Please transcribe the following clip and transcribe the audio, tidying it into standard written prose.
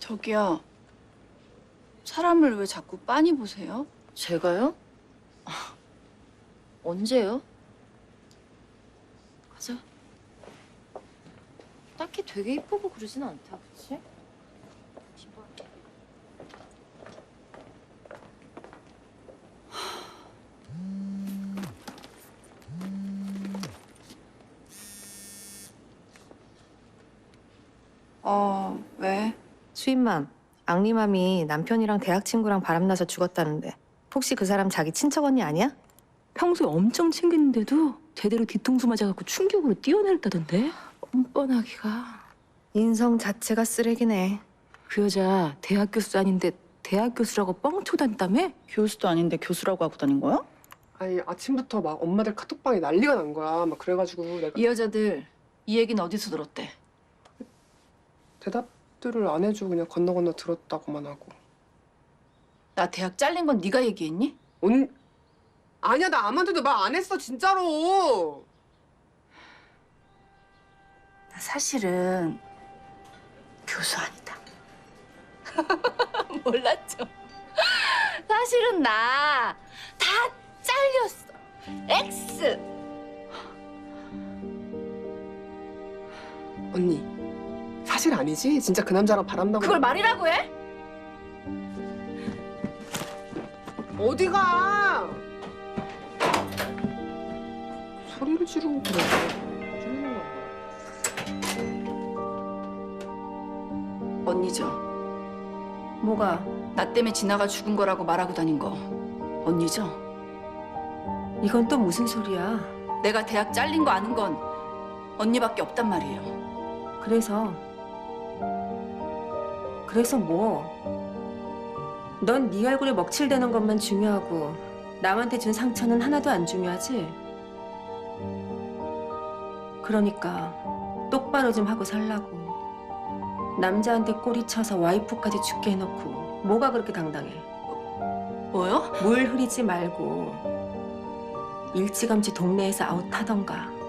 저기요. 사람을 왜 자꾸 빤히 보세요? 제가요? 언제요? 가자. 딱히 되게 이쁘고 그러진 않다, 그치? 왜? 수인맘, 앙리맘이 남편이랑 대학 친구랑 바람나서 죽었다는데 혹시 그 사람 자기 친척 언니 아니야? 평소에 엄청 챙겼는데도 제대로 뒤통수 맞아갖고 충격으로 뛰어내렸다던데? 뻔뻔하기가. 인성 자체가 쓰레기네. 그 여자 대학 교수 아닌데 대학 교수라고 뻥치고 다녔다며? 교수도 아닌데 교수라고 하고 다닌 거야? 아니 아침부터 막 엄마들 카톡방에 난리가 난 거야. 막 그래가지고 내가 이 여자들 이 얘기는 어디서 들었대? 대답들을 안 해주고 그냥 건너 들었다고만 하고. 나 대학 잘린 건 네가 얘기했니? 아니야 나 아무한테도 말 안 했어 진짜로. 나 사실은 교수 아니다. 몰랐죠? 사실은 나 다 잘렸어. X. 언니 사실 아니지? 진짜 그 남자랑 바람나고. 그걸 말이라고 해? 어디가? 소리를 지르고 그래. 지르는 거. 언니죠. 뭐가? 나 때문에 지나가 죽은 거라고 말하고 다닌 거 언니죠? 이건 또 무슨 소리야? 내가 대학 잘린 거 아는 건 언니밖에 없단 말이에요. 그래서 뭐? 넌 네 얼굴에 먹칠되는 것만 중요하고 남한테 준 상처는 하나도 안 중요하지? 그러니까 똑바로 좀 하고 살라고. 남자한테 꼬리 쳐서 와이프까지 죽게 해놓고 뭐가 그렇게 당당해? 뭐요? 물 흐리지 말고 일찌감치 동네에서 아웃하던가.